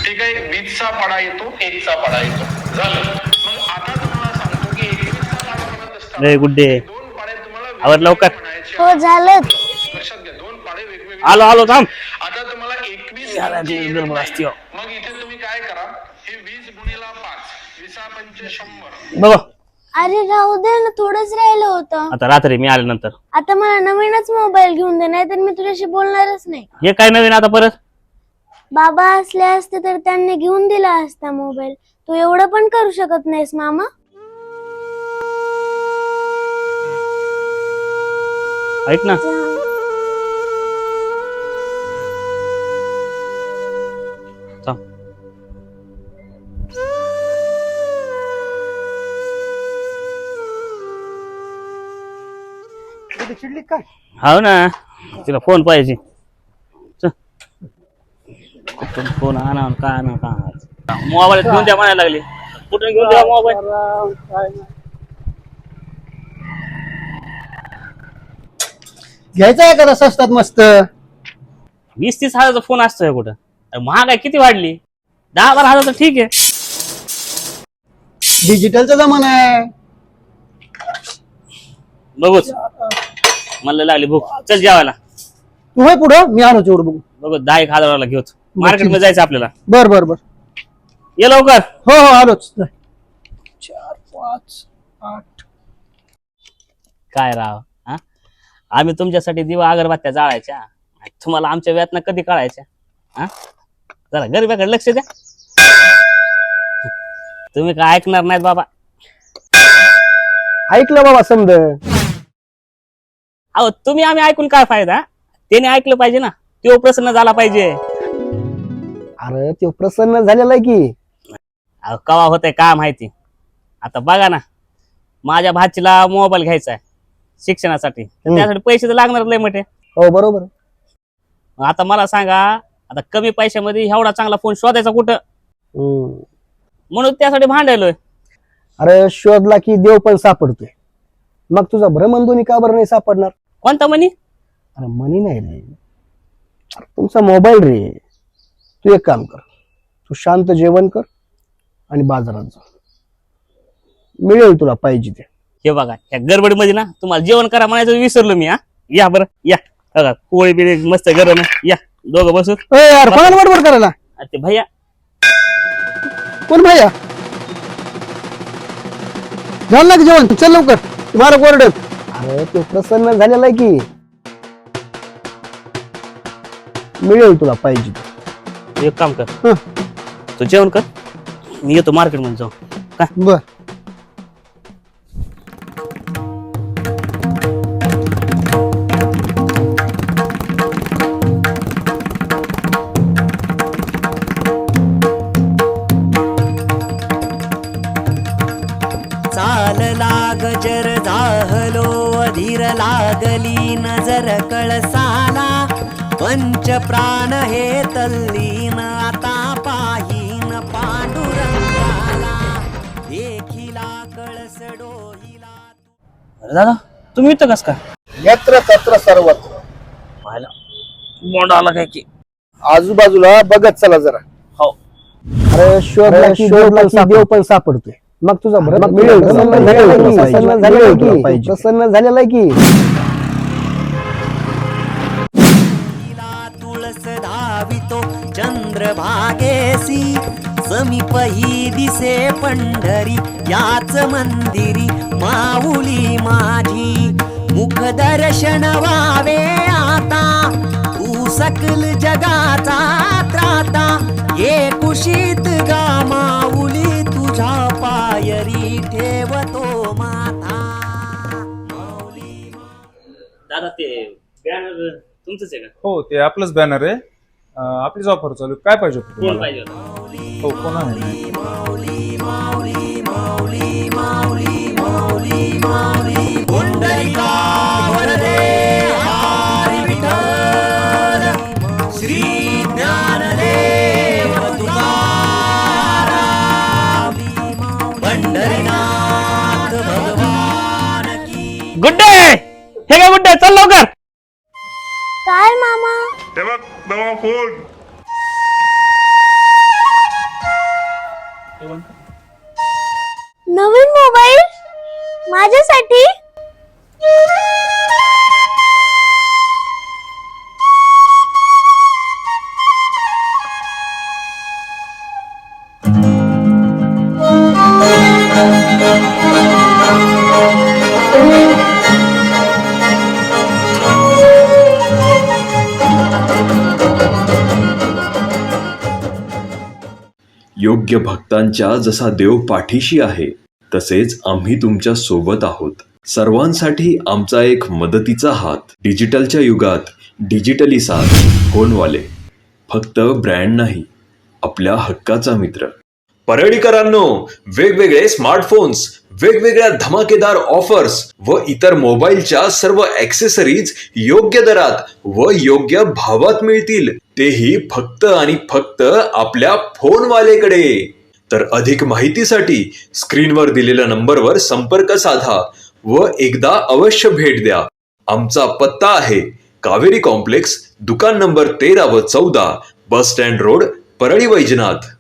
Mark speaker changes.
Speaker 1: ठीक आहे, 20चा पाढा येतो, 1चा पाढा येतो, झालं. मग आता तुम्हाला सांगतो की 21चा पाढा म्हणत असताना
Speaker 2: गुड्डे
Speaker 1: दोन पाढे तुम्हाला
Speaker 2: आवर लवकर.
Speaker 1: म्हणायचे.
Speaker 3: हो झालं.
Speaker 1: लक्षात घ्या, दोन पाढे वेगवेगळे.
Speaker 2: आलो थांब.
Speaker 1: आता तुम्हाला 21
Speaker 2: असते
Speaker 1: मग इथे तुम्ही काय करा, हे 20 गुणिला 5, 20 पंचे 100.
Speaker 2: बघ
Speaker 3: अरे राहू दे ना, थोडंच राहिलं होतं.
Speaker 2: आता रात्री मी आल्यानंतर
Speaker 3: आता मला नवीनच मोबाईल घेऊन दे, नाही तर मी तुझ्याशी बोलणारच नाही.
Speaker 2: हे काय नवीन आता परत?
Speaker 3: बाबा असले असते तर त्यांनी घेऊन दिला असता मोबाईल. तू एवढं पण करू शकत नाहीस मामा.
Speaker 2: ऐक ना, थांब.
Speaker 4: चिडली काय?
Speaker 2: हाव ना, तिला फोन पाहिजे. चल. कुठून फोन आणा का आणा का मोबाईल घेऊन द्या म्हणायला लागली. कुठून घेऊन द्या मोबाईल?
Speaker 4: घ्यायचा आहे का स्वस्तात मस्त?
Speaker 2: 20-30 हजाराचा फोन असतोय कुठं? अरे महागाई किती वाढली. 10-12 हजार तर ठीक आहे.
Speaker 4: डिजिटलचा जमाना आहे.
Speaker 2: बघूच मला लागली भूक. चल जेवायला.
Speaker 4: तू होय पुढं, मी आलो तेवढं बघू.
Speaker 2: बघू 10-1 हजाराला घेऊ. मार्केट मध्ये जायचं आपल्याला.
Speaker 4: बर बर बर.
Speaker 2: ये लवकर.
Speaker 4: हो हो आलोच. 4, 5, 8.
Speaker 2: काय राव, हा? आम्ही तुमच्यासाठी दिवा अगरबत्त्या जाळायच्या, तुम्हाला आमच्या वेतन कधी कळायच्या? हा, जरा गरीबाकडे लक्ष द्या. तुम्ही काय ऐकणार नाहीत बाबा.
Speaker 4: ऐकलं बाबा समज.
Speaker 2: अहो तुम्ही आम्ही ऐकून काय फायदा? त्याने ऐकलं पाहिजे ना, तो प्रसन्न झाला पाहिजे.
Speaker 4: अरे तो प्रसन्न झालेला आहे की.
Speaker 2: अहो कवा होतंय का माहिती. आता बघा ना, माझ्या भाचीला मोबाईल घ्यायचा आहे शिक्षणासाठी, तर त्यासाठी पैसे तर लागणार लय मोठे.
Speaker 4: हो बरोबर.
Speaker 2: आता मला सांगा, आता कमी पैशामध्ये एवढा चांगला फोन शोधायचा कुठं? म्हणून त्यासाठी भांडायलोय.
Speaker 4: अरे शोधला की देव पण सापडतोय. मग तुझा भ्रमणध्वनी का बरं नाही सापडणार?
Speaker 2: कोणता म्हणी?
Speaker 4: अरे मनी नाही रे, अरे तुमचा मोबाईल रे. तू एक काम कर, तू शांत जेवण कर आणि बाजारात जा, मिळेल तुला पाहिजे ते.
Speaker 2: हे बघा, या गडबडीमध्ये ना तुम्हाला जेवण करा म्हणायचं विसरलो मी. हा या बरं या. बघा पोळी बिळी मस्त गरम आहे. या दोघं बसून.
Speaker 4: यार कोणाला बडबड करायला?
Speaker 2: ते भैया.
Speaker 4: कोण भैया? झालं ना की जेवण? चल लवकर, तुम्हाला कोरड. अरे तो प्रसन्न झालेला आहे की, मिळेल तुला पाहिजे ते.
Speaker 2: एक काम कर, तू जेवण कर, मी येतो मार्केट मध्ये जाऊ. काय
Speaker 4: बर.
Speaker 5: चाल लाग जर जाहलो अधीर लागली नजर कळसाला पंच प्राण हे तल्लीन आता पाहीन पांडुरंगाला देखिला कळस डोहिला.
Speaker 2: अरे दादा तुम्ही इथं कस काय?
Speaker 4: यत्र तत्र सर्वत्र.
Speaker 2: पाहिला मोंड आला काय की.
Speaker 4: आजूबाजूला बघत चला जरा.
Speaker 2: हो.
Speaker 4: अरे शोधला की देव पण सापडतोय. मग तुझा भ्रम मिळेल. प्रसन्न झालेला आहे की.
Speaker 5: तुळस धावितो चंद्रभागेसी समीपही दिसे पंढरी याच मंदिरी माऊली माझी मुख दर्शन व्हावे आता तू सकल जगाचा त्राता ये कुशीत गा माऊली तुझ्या पायरी ठेवतो माथा.
Speaker 2: दादा ते बॅनर तुमचंच आहे का?
Speaker 6: हो ते आपलंच बॅनर आहे. आपलीच ऑफर चालू आहे. काय पाहिजे होतं
Speaker 2: कोण
Speaker 6: तुम्हाला?
Speaker 2: पाहिजे होतं?
Speaker 6: हो कोण आहे?
Speaker 5: पुंडलिका वरदे हरी विठ्ठल श्री ज्ञानदेव तुकाराम पंढरीनाथ भगवान की.
Speaker 2: गुड्डे हे काय गुड्डे, चल लवकर.
Speaker 3: काय मामा?
Speaker 1: ते बघ नवा फोन.
Speaker 7: योग्य भक्तांच्या जसा देव पाठीशी आहे तसेच आम्ही तुमच्या सोबत आहोत. सर्वांसाठी आमचा एक मदतीचा हात. डिजिटलच्या युगात डिजिटली साथ. फोनवाले फक्त ब्रँड नाही, आपल्या हक्काचा मित्र. परळीकरांनो, वेगवेगळे स्मार्टफोन्स, वेगवेगळ्या धमाकेदार ऑफर्स व इतर मोबाईलच्या सर्व ॲक्सेसरीज योग्य दरात व योग्य भावात मिळतील, तेही फक्त आणि फक्त आपल्या फोनवालेकडे. तर अधिक माहितीसाठी स्क्रीनवर दिलेल्या नंबरवर संपर्क साधा व एकदा अवश्य भेट द्या. आमचा पत्ता आहे कावेरी कॉम्प्लेक्स, दुकान नंबर 13 व 14, bus stand road, Parli Vaijnath.